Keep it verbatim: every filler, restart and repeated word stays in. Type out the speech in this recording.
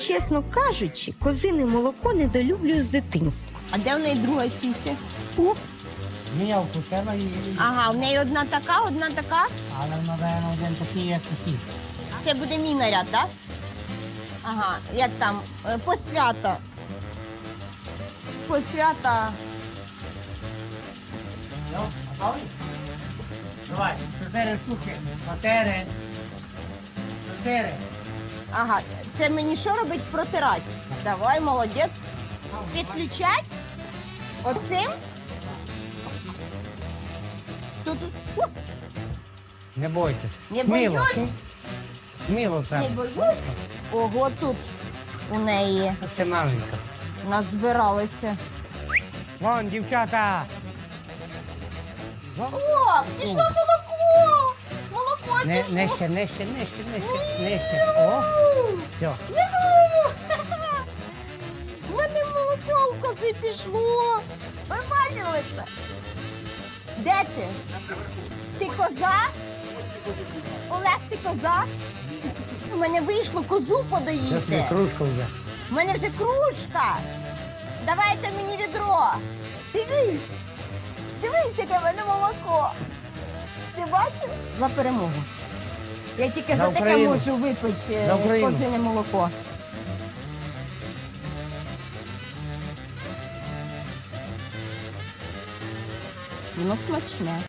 чесно кажучи, козине молоко недолюблюю з дитинства. А де в неї друга сіся? Міняв у себе і... Ага, в неї одна така, одна така. Але, напевно, один такий, як такий. Це буде мій наряд, так? Ага, як там? Е, Посвята. Посвята. Ну, готовий? Давай, чотири штуки. Чотири. Чотири. Ага, це мені що робить? Протирати. Давай, молодець. Підключать? Оцим? Тут. О, Не бойтесь. Не Сміло. боюсь. Сміло не треба. боюсь. Ого, тут у неї Це маленька. назбиралося. Вон, дівчата. О, пішло молоко! Молоко Не, пішло. нижче, нижче, нижче, нижче, нижче. О, все. Юху! У мене молоко в кози пішло. Ви бачили це? Де ти? Ти коза? Олег, ти коза? У мене вийшло козу Зараз не подоїти. кружка вже. У мене вже кружка. Давайте мені відро. Дивись. Дивись, яке в мене молоко. Ти бачив? За перемогу. Я тільки За за, таке Україну. можу випити За е, Україну. козине молоко. Воно смачне.